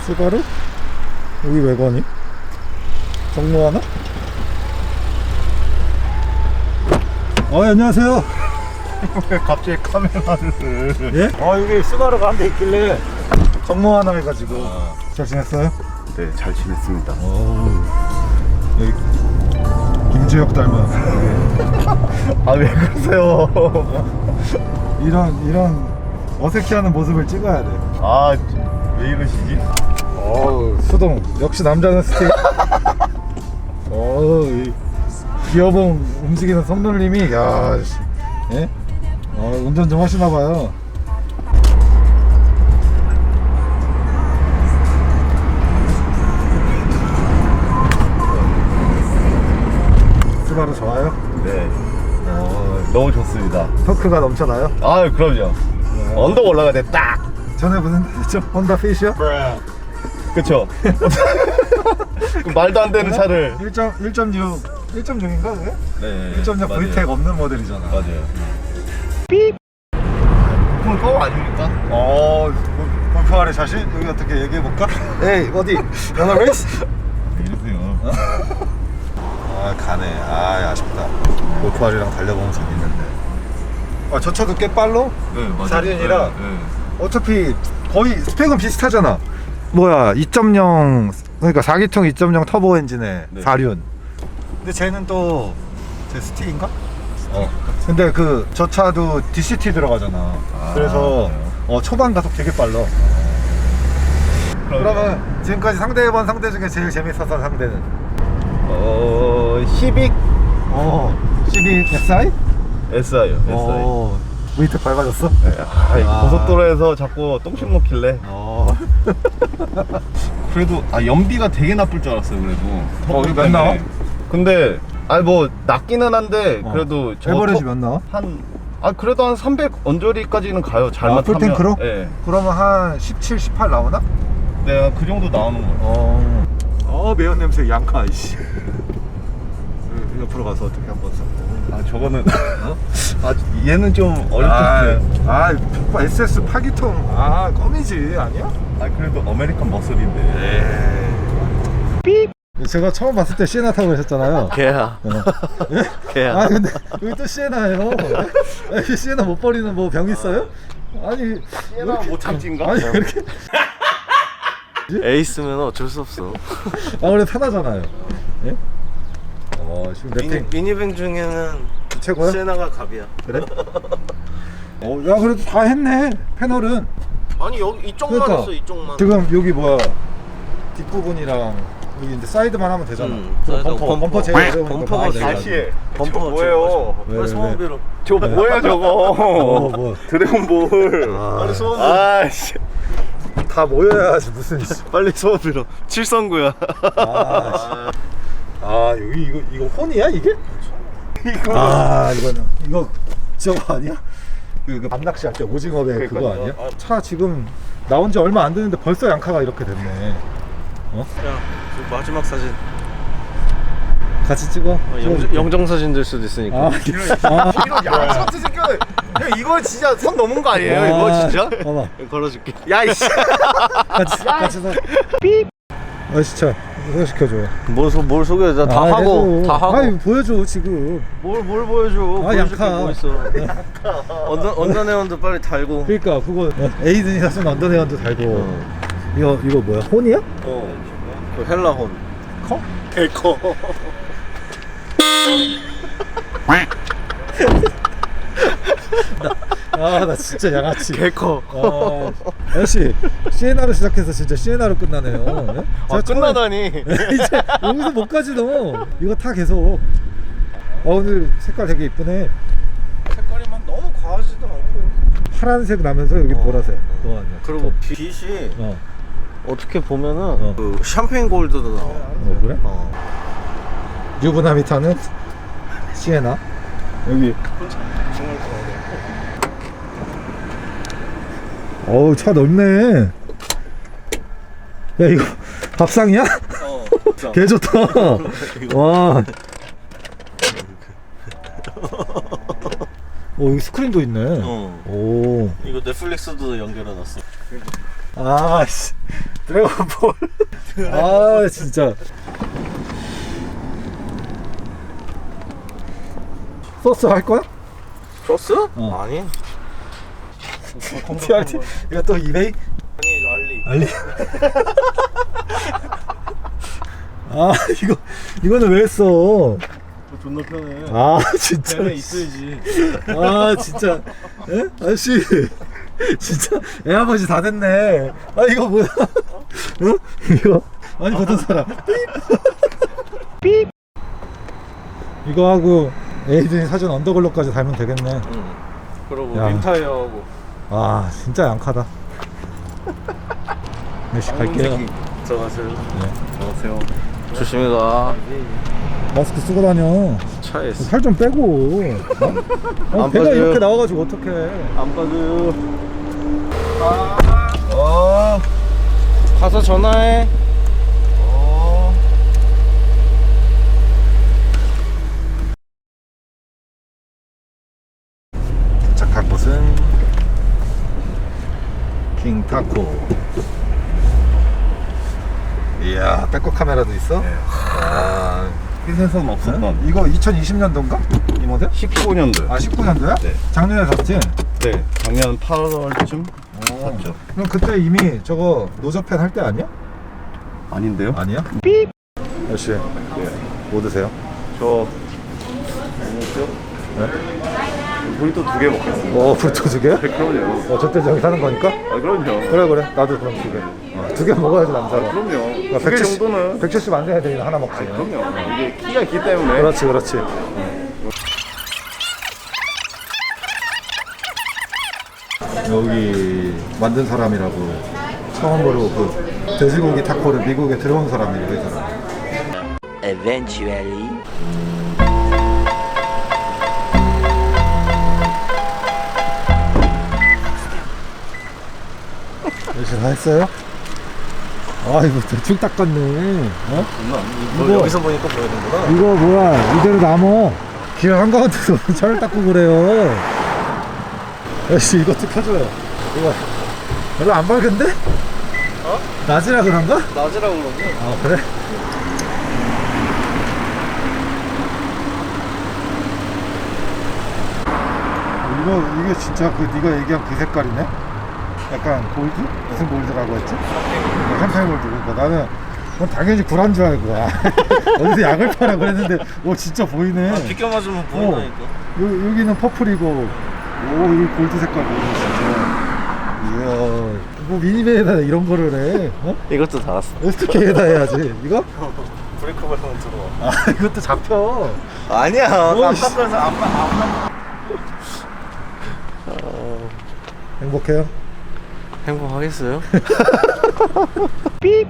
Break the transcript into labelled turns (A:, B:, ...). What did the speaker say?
A: 스바루? 여기 왜 가니? 정모하나? 안녕하세요.
B: 왜 갑자기 카메라를?
A: 예? 여기 스바루가 한 대 있길래 정모하나 해가지고. 잘 지냈어요?
B: 네, 잘 지냈습니다.
A: 여기 김주혁 닮았어.
B: 아, 왜 그러세요?
A: 이런 어색해하는 모습을 찍어야 돼.
B: 아, 왜 이러시지?
A: 수동 역시 남자는 스틱. 이 기어봉 움직이는 손놀림이 예? 운전 좀 하시나봐요. 스바루 좋아요?
B: 네. 너무 좋습니다.
A: 토크가 넘쳐나요?
B: 아, 그럼요. 언덕 올라가야 돼, 딱!
A: 전에 무슨 혼다 피시요?
B: 그쵸? 그 말도 안 되는 차를.
A: 1.6인가 그게?
B: 네.
A: 1.6
B: 맞아요.
A: VTEC 없는 모델이잖아.
B: 맞아요. 삐! 그건 꺼 아닙니까?
A: 골프 아래 자신? 여기 어떻게 얘기해볼까? 에이 어디? 연어 레이스?
B: 이러세요.
A: 가네. 아쉽다. 골프 아리랑 달려보면 재밌는데. 저 차도 꽤 빨로?
B: 네, 맞아요.
A: 사륜이라
B: 네.
A: 어차피 거의 스펙은 비슷하잖아. 2.0 그러니까 4기통 2.0 터보 엔진에
B: 네.
A: 4륜. 근데 쟤는 또 제 스틱인가? 근데 저 차도 DCT 들어가잖아. 그래서 초반 가속 되게 빨라. 그러면 지금까지 상대해본 상대 중에 제일 재밌었던 상대는?
B: 시빅
A: 시빅 SI?
B: SI요. SI.
A: 위트 밟아줬어?
B: 고속도로에서 자꾸 똥심 놓길래. 그래도 연비가 되게 나쁠 줄 알았어요. 그래도
A: 이거 몇 나와?
B: 근데 뭐 낮기는 한데 그래도
A: 에버리지 몇 나와?
B: 그래도 한 300 언저리까지는 가요. 잘만 타면.
A: 풀탱크로?
B: 네.
A: 그러면 한 17, 18 나오나?
B: 네, 그 정도 나오는 거예요.
A: 매운 냄새 양카 이씨. 옆으로 가서 어떻게 한번 써?
B: 저거는 얘는 좀 어렵죠.
A: SS 8기통 껌이지 아니야?
B: 그래도 아메리칸 머슬인데.
A: 제가 처음 봤을 때 시에나 타고 계셨잖아요.
C: 걔야. 걔야.
A: 근데 여기 또 시에나예요. 시에나 못 버리는 뭐 병 있어요?
B: 얘나 못 참지인가?
A: 이렇게
C: 에이스면 어쩔 수 없어.
A: 원래 편하잖아요. 예? 지금 랩팅
C: 미니밴 중에는
A: 최고야?
C: 세나가 갑이야.
A: 그래? 야 그래도 다 했네. 패널은
C: 아니 여기 이쪽만
A: 그러니까.
C: 했어, 이쪽만.
A: 지금 여기 뒷부분이랑 여기 이제 사이드만 하면 되잖아.
C: 사이드,
A: 범퍼 제일 어려우니까
C: 범퍼가
A: 봐야
C: 제일
A: 돼.
B: 다시 해.
C: 범퍼가
B: 저거 뭐예요?
A: 왜,
C: 빨리 소원비로.
B: 저 뭐야 저거?
A: 뭐.
B: 드래곤볼.
C: 빨리 소원비로.
B: 아씨.
A: 다 모여야지 무슨
C: 빨리 소원비로. 칠성구야.
A: 여기 이거 혼이야 이게? 이거 저거 아니야? 그 밤낚시 할 때 오징어배 그거
B: 그러니까요.
A: 아니야? 차 지금 나온 지 얼마 안 됐는데 벌써 양카가 이렇게 됐네.
C: 야, 저 마지막 사진.
A: 같이 찍어?
C: 영정 사진 될 수도 있으니까.
B: 야, 차트 새끼들. 야, 이거 진짜 선 넘은 거 아니에요? 이거 진짜?
A: 봐봐.
C: 걸어줄게.
B: 야, 이씨.
A: 같이 서. 삐. 진짜 소개시켜줘.
C: 뭘 소개해? 나 다 하고
A: 해줘.
C: 다 하고.
A: 보여줘 지금.
C: 뭘 보여줘? 보여줄 게
A: 양카.
C: 뭐 있어? 언더네온도 빨리 달고.
A: 그러니까 그거 에이든이나 쓴 언더네온도 달고. 이거 뭐야? 혼이야?
C: 그 헬라혼.
A: 커?
C: 개커.
A: 나 진짜 양아치.
C: 개커.
A: 아저씨 시에나로 시작해서 진짜 시에나로 끝나네요. 네?
C: 끝나다니.
A: 이제 여기서 못 가지 너. 이거 타 계속. 오늘 색깔 되게 이쁘네.
C: 색깔이 막 너무 과하지도 않고.
A: 파란색 나면서 여기 보라색. 그거 아니야?
C: 그리고 빛이
A: 어.
C: 어떻게 보면은 그 샴페인 골드도 나와.
A: 그래? 유부남이 타는 시에나. 여기. 차 넓네. 야 이거 밥상이야? 개 좋다. 와. 여기 스크린도 있네. 오.
C: 이거 넷플릭스도 연결해놨어.
A: 아씨 드래곤볼. 아 진짜. 소스 할 거야?
C: 소스?
A: 어.
C: 아니.
A: TRT? 이거 또 이베이?
C: 아니 알리.
A: 알리. 아 이거는 왜 했어?
B: 존나 편해.
A: 아 진짜.
B: 배에 있어야지.
A: 아 진짜. 에? 아저씨 진짜 애 아버지 다 됐네. 아 이거 뭐야? 응? 이거 아니 보던 사람. 삐. 이거 하고 에이든이 사준 언더글로까지 달면 되겠네.
C: 응. 그리고
A: 야.
C: 림타이어하고.
A: 아 진짜 양카다. 몇시 갈게요.
C: 들어가세요.
A: 네.
B: 안녕하세요.
C: 조심히 가.
A: 마스크 쓰고 다녀.
C: 차에 있어.
A: 살 좀 빼고. 어?
C: 안
A: 배가
C: 빠져요.
A: 이렇게 나와가지고 어떡해.
C: 안 빠져요.
A: 어.
C: 가서 전화해.
A: 도착한 곳은 킹타코. 이야 백업 카메라도 있어? 아,
B: 흰센서는 없었던.
A: 이거 2020년도인가? 이 모델?
B: 19년도.
A: 아 19년도야?
B: 네.
A: 작년에 샀지?
B: 네. 작년 8월쯤 샀죠.
A: 그럼 그때 이미 저거 노저팬 할 때 아니야?
B: 아닌데요?
A: 아니야? 삐! 아저씨
B: 네.
A: 뭐 드세요?
B: 저 뭐죠?
A: 네?
B: 브리또 2개 먹겠습니다.
A: 브루토 두 개야?
B: 그럼요.
A: 저 때 저기 사는 거니까?
B: 아 그럼요.
A: 그래 나도 그럼 두 개. 두 개 먹어야지 남자가.
B: 그럼요. 2개 정도는.
A: 170 안 돼야 되니 하나 먹지.
B: 그럼요. 이게 키가 있기 때문에.
A: 그렇지. 여기 만든 사람이라고 처음으로 그 돼지고기 타코를 미국에 들어온 사람이래요, 이 사람.
D: Eventually.
A: 열심히 다 했어요? 아 이거 대충 닦았네. 어?
C: 너 여기서 보니까 보이는구나.
A: 이거 뭐야 이대로 남어. 길 한가운데서 차를 닦고 그래요. 역시 이것도 켜줘요. 이거 별로 안 밝은데?
C: 어?
A: 낮이라 그런가?
C: 낮이라고 그러지.
A: 아 그래? 이게 진짜 그 네가 얘기한 그 색깔이네? 약간 골드? 무슨 골드라고 했지? 샴페인 골드. 그러니까 나는 그건 당연히 구란 줄 알고 어디서 약을 파라 그랬는데 오 진짜 보이네.
C: 비껴 맞으면 보인다니까.
A: 여기는 퍼플이고 오 여기 골드 색깔 보이네 진짜. 이야 뭐 미니밴에다 이런 거를 해? 어?
C: 이것도 달았어.
A: STK에다 해야지. 이거?
C: 브레이크 밟으면 들어와.
A: 아 이것도 잡혀.
C: 아니야.
A: 깜빡거려서
C: 안
A: 행복해요?
C: 행복하겠어요?